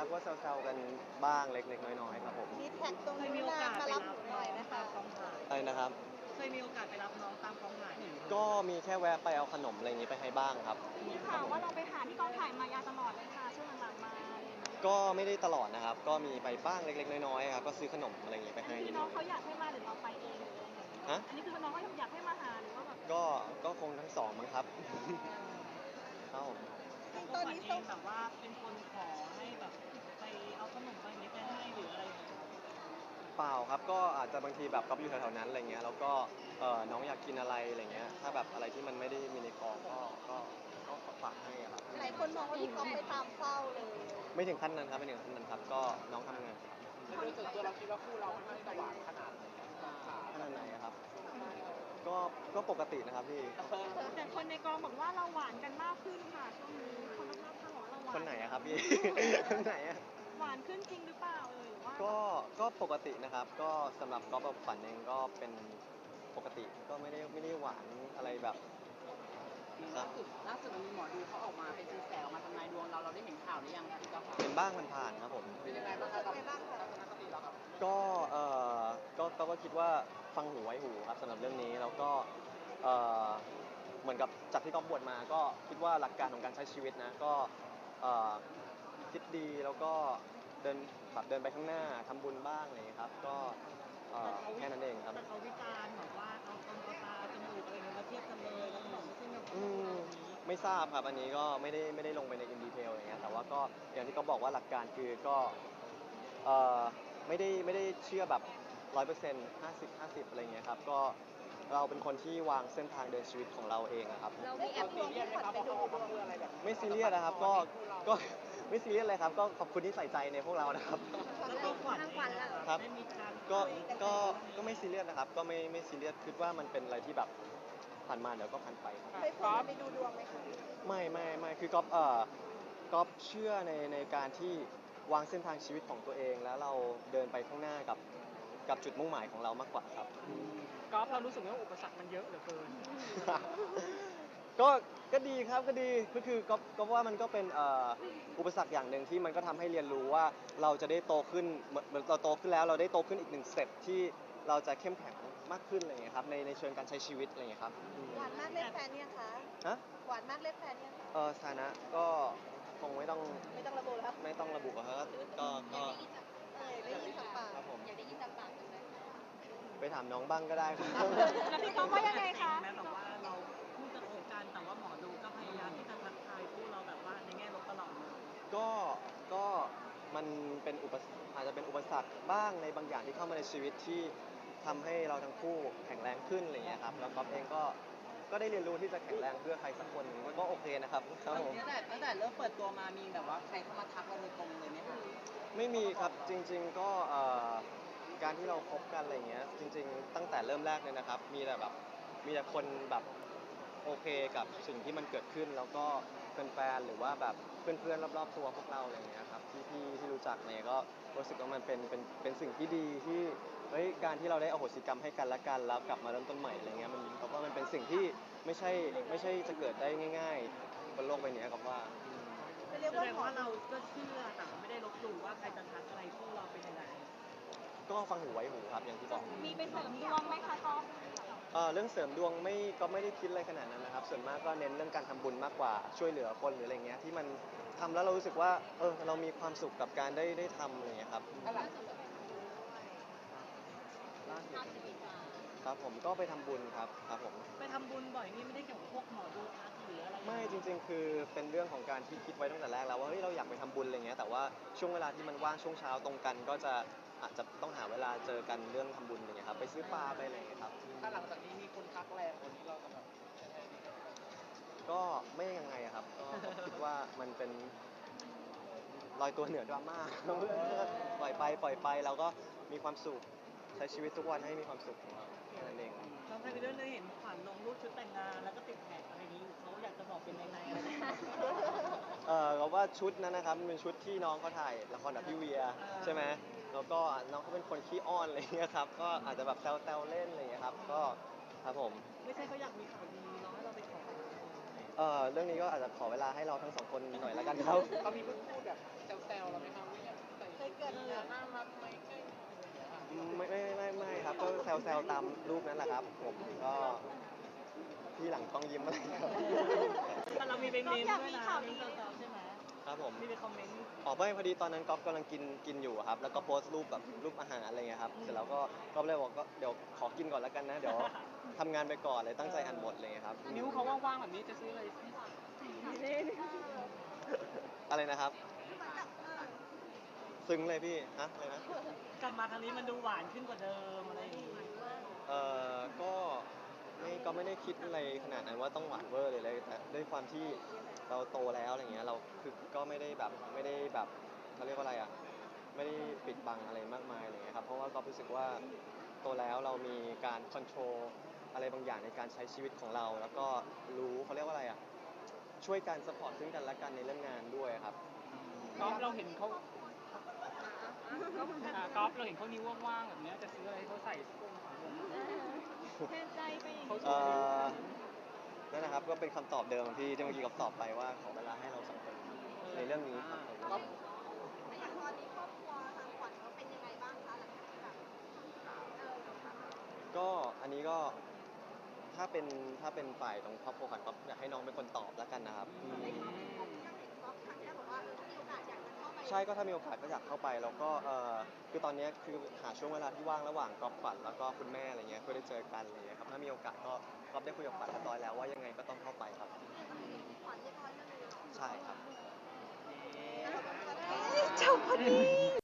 ครับก็แซวๆกันบ้างเล็กๆน้อยๆครับผมมีแท็กตรงเคยนี้มีโอกาสมาไปรัรับบ หน้น่ออยงไหมตาคะมกองถ่ายอะไรนะครับเคยมีโอกาสไปรับน้องตามกองถ่ายก็มีแค่แวะไปเอาขนมอะไรอย่างงี้ไปให้บ้างครับมีข่าวว่าเราไปหาที่กองถ่ายมายาตลอดเลยค่ะช่วงหลังๆมาอะไรอย่างเงี้ยก็ไม่ได้ตลอดนะครับก็มีไปบ้างเล็กๆน้อยๆครับก็ซื้อขนมอะไรอย่างงี้ไปให้นิดหน้น่ออง ยเขาอยากให้มาหรือเราไปเองหรืออะไรอย่างเงี้ยฮะอันนี้คือน้องเขาอยากให้มาหาหรือว่าแบบก็คงทั้งสองมั้งครับ ครับผมซึ่งตอนนี้เองแบบว่าเป็นคนขอให้แบบไปเอาขนมไปนี้ไปให้หรืออะไรอย่างเงี้ยเปล่าครับก็อาจจะบางทีแบบก๊อฟอยู่แถวๆนั้นอะไรเงี้ยแล้วก็น้องอยากกินอะไรอะไรเงี้ยถ้าแบบอะไรที่มันไม่ได้มีในกองก็ฝากให้อะครับหลายคนมองว่าพี่ก๊อฟไปตามเฝ้าเลยไม่ถึงขั้นนั้นครับไม่ถึงขั้นนั้นครับก็น้องทำงานครับโดยส่วนตัวเราคิดว่าคู่เราค่อนข้างที่จะหวานขนาดไหนขาขนาดไหนอะครับก็ปกตินะครับพี่แต่คนในกองบอกว่าเราหวานกันมากขึ้นค่ะช่วงนี้คนรอบๆข้างบอกว่าเราหวานคนไหนอะครับพี่ คนไหนอะหวานขึ้นจริงหรือเปล่าหรือว่าก็ปกตินะครับก็สำหรับก๊อฟกับฝันเองก็เป็นปกติก็ไม่ได้หวานอะไรแบบครับล่าสุดมันมีหมอดูเขาออกมาเป็นแซวมาทำนายดวงเราได้เห็นข่าวหรือยังพี่ก๊อฟเป็นบ้างผ่านๆครับผมเป็นยังไงบ้างครับทัศนคติเราครับก็ก็คิดว่าฟังหูไว้หูครับสำหรับเรื่องนี้แล้วก็เอ่อเหมือนกับจากที่ก๊อฟบวชมาก็คิดว่าหลักการของการใช้ชีวิตนะก็คิดดีแล้วก็เดินไปข้างหน้าทำบุญบ้างอะไรอย่างเงี้ยครับก็แค่นั้นเองครับแต่เขาวิจารณ์แบบว่าเอาตาจมูกอะไรเงี้ยมาเทียบกันเลยแล้วก็บอกว่าซึ่งแบบไม่ทราบครับอันนี้ก็ไม่ได้ลงไปในอินดีเทลอะไรเงี้ยแต่ว่าก็อย่างที่เขาบอกว่าหลักการคือก็ไม่ได้เชื่อแบบ100% 50-50อะไรเงี้ยครับก็เราเป็นคนที่วางเส้นทางเดินชีวิตของเราเองอะครับเรามีแอปลวงพี่ขวัญไปดูดวงไม่ซีเรียสนะครับก็ไม่ซีเรียสเลยครับก็ขอบคุณที่ใส่ใจในพวกเรานะครับแล้วตัวขวัญทางขวัญล่ะครับได้มีการก็ไม่ซีเรียสนะครับก็ไม่ซีเรียสคิดว่ามันเป็นอะไรที่แบบผ่านมาเดี๋ยวก็ผ่านไปครับเคยพาไปดูดวงไหมคะไม่คือก๊อฟเชื่อในการที่วางเส้นทางชีวิตของตัวเองแล้วเราเดินไปข้างหน้ากับจุดมุ่งหมายของเรามากกว่าครับกอล์ฟเรารู้สึกว่าอุปสรรคมันเยอะเหลือเกินก็ดีครับก็ดีก็คือก็ว่ามันก็เป็นอุปสรรคอย่างหนึ่งที่มันก็ทำให้เรียนรู้ว่าเราจะได้โตขึ้นเหมือนเราโตขึ้นแล้วเราได้โตขึ้นอีกหนึ่งสเต็ปที่เราจะเข้มแข็งมากขึ้นอะไรอย่างเงี้ยครับในเชิงการใช้ชีวิตอะไรอย่างเงี้ยครับหวานมากเล่นแฟนเนี่ยคะฮะหวานมากเล่นแฟนเนี่ยคะสถานะก็คงไม่ต้องไม่ต้องระบุแล้วไม่ต้องระบุอะครับก็ได้ยินจากปากครับผมอยากได้ยินจากปากจังเลยไปถามน้องบ้างก็ได้ครับแล้วพี่ก๊อฟว่ายังไงคะแม้แบบว่าเราเพิ่งจะคบกันแต่ว่าหมอดูก็พยายามที่จะทักทายคู่เราแบบว่าในแง่ลบตลอดเลยก็มันเป็นอาจจะเป็นอุปสรรคบ้างในบางอย่างที่เข้ามาในชีวิตที่ทำให้เราทั้งคู่แข็งแรงขึ้นอะไรอย่างเงี้ยครับแล้วก๊อฟเองก็ได้เรียนรู้ที่จะแข็งแรงเพื่อใครสักคนหนึ่งมันก็โอเคนะครับครับผมตั้งแต่เริ่มเปิดตัวมามีแบบว่าใครเข้ามาทักเราโดยตรงเลยไหมคะไม่มีครับจริง ๆก็การที่เราคบกันอะไรเงี้ยจริง ๆ ตั้งแต่เริ่มแรกเลยนะครับมีแต่คนแบบโอเคกับสิ่งที่มันเกิดขึ้นแล้วก็แฟนๆหรือว่าแบบเพื่อนๆรอบๆตัวพวกเราอะไรเงี้ยครับที่รู้จักเนี่ยก็รู้สึกว่ามันเป็นสิ่งที่ดีที่เฮ้ยการที่เราได้อโหสิกรรมให้กันและกันแล้วกลับมาเริ่มต้นใหม่อะไรเงี้ยมันเพราะว่ามันเป็นสิ่งที่ไม่ใช่จะเกิดได้ง่ายๆบนโลกใบนี้ครับว่าเรียกแสว่าดงหมอว่าเราก็เชื่อแต่ว่าไม่ได้ลบหลู่ว่าใครจะทักอะไรคู่เราเป็นยังไงก็ฟังหูไว้หูครับอย่างที่บอกมีไปเสริมดวงไหมคะก๊อฟเรื่องเสริมดวงก็ไม่ได้คิดอะไรขนาดนั้นนะครับส่วนมากก็เน้นเรื่องการทำบุญมากกว่าช่วยเหลือคนหรืออะไรเงี้ยที่มันทำแล้วเรารู้สึกว่าเรามีความสุขกับการได้ทำอะไรเงี้ยครับครับผมก็ไปทำบุญครับผมไปทำบุญบ่อยนี่ไม่ได้เกี่ยวกับพวกหมอดูทักหรืออะไรไม่จริงๆ คือเป็นเรื่องของการที่คิดไว้ตั้งแต่แรกแล้วว่าเฮ้ยเราอยากไปทำบุญอะไรเงี้ยแต่ว่าช่วงเวลาที่มันว่างช่วงเช้าตรงกันก็จะอาจจะต้องหาเวลาเจอกันเรื่องทำบุญอะไรเงี้ยครับไปซื้อปลาไปอะไรเงี้ยครับถ้าหลังจากนี้มีคนทักแรงคนนี้เราจะแบบก็ไม่ยังไงอะครับก็คิดว่ามันเป็นลอยตัวเหนือดราม่า ปล่อยไปเราก็มีความสุขใช้ชีวิตทุกวันให้มีความสุขของเราแค่นั้นเองน้องไทยไปเรื่อยๆเห็นขวัญลงรูปชุดแต่งงานแล้วก็ติดแท็กอะไรนี้อยู่เขาอยากจะบอกเป็นในอะไรอย่างเงี้ยเราว่าชุดนั้นนะครับมันเป็นชุดที่น้องเขาถ่ายละครกับพี่เวียใช่ไหมแล้วก็น้องเขาเป็นคนขี้อ้อนอะไรเงี้ยครับก็อาจจะแบบแซวๆเล่นอะไรเงี้ยครับก็ครับผมไม่ใช่เขาอยากมีข่าวดีน้องให้เราไปขอเรื่องนี้ก็อาจจะขอเวลาให้เราทั้งสองคนหน่อยแล้วกันครับเขามีพูดแบบแซวๆเราไหมครับกิดเนี่ยน่ารักไหมใกล้ไม่ครับก็แซวๆตามรูปนั้นแหละครับผมก็พี่หลังต้องยิ้มอะไรครับแต่เรามีไปเมนต์ด้วยนะมีแซวๆใช่ไหมครับผมมีไปคอมเมนต์ไม่พอดีตอนนั้นก๊อฟกำลังกินอยู่อะครับแล้วก็โพสต์รูปแบบรูปอาหารอะไรเงี้ยครับเสร็จแล้วก็ก๊อฟเลยบอกก็เดี๋ยวขอกินก่อนแล้วกันนะเดี๋ยวทำงานไปก่อนเลยตั้งใจอ่านบทอะไรเงี้ยครับนิ้วเขาว่างๆแบบนี้จะซื้ออะไรให้อะไรนะครับ ซึ้งเลยพี่ฮะอะไรนะกลับมาครั้งนี้มันดูหวานขึ้นกว่าเดิมอะไรอย่างงี้ก็ไม่ได้คิดอะไรขนาดนั้นว่าต้องหวานเวอร์เลยแต่ด้วยความที่เราโตแล้วอะไรเงี้ยเราคือก็ไม่ได้แบบเขาเรียกว่าอะไรอ่ะไม่ได้ปิดบังอะไรมากมายอะไรเงี้ยครับเพราะว่าก็รู้สึกว่าโตแล้วเรามีการคอนโทรลอะไรบางอย่างในการใช้ชีวิตของเรา แล้วก็รู้เขาเรียกว่าอะไรอ่ะช่วยกันสปอร์ตซึ่งกันและกันในเรื่องงานด้วยครับก๊อฟเราเห็นเขาก๊อฟเราเห็นเขานิ้วว่างๆแบบเนี้ยจะซื้ออะไรให้เขาใส่สักวงสองวงแทนใจไปอย่างเขานี้ชวนนิ้วนั่นนะครับก็เป็นคำตอบเดิมที่เมื่อกี้กับตอบไปว่าขอเวลาให้เราสองคนในเรื่องนี้ครับก๊อฟอย่างตอนนี้ครอบครัวทางขวัญเขาเป็นยังไงบ้างคะหลังจากที่แบบก็อันนี้ก็ถ้าเป็นฝ่ายตรงครอบครัวขวัญก็อยากให้น้องเป็นคนตอบแล้วกันนะครับใช่ก็ถ้ามีโอกาสก็อยากเข้าไปแล้วก็คือตอนนี้คือหาช่วงเวลาที่ว่างระหว่างก๊อฟขวัญแล้วก็คุณแม่อะไรเงี้ยเพื่อได้เจอกันอะไรเงี้ยครับถ้ามีโอกาสก็ก๊อฟได้คุยกับขวัญเรียบร้อยแล้วว่ายังไงก็ต้องเข้าไปครับใช่ครับจบพอดี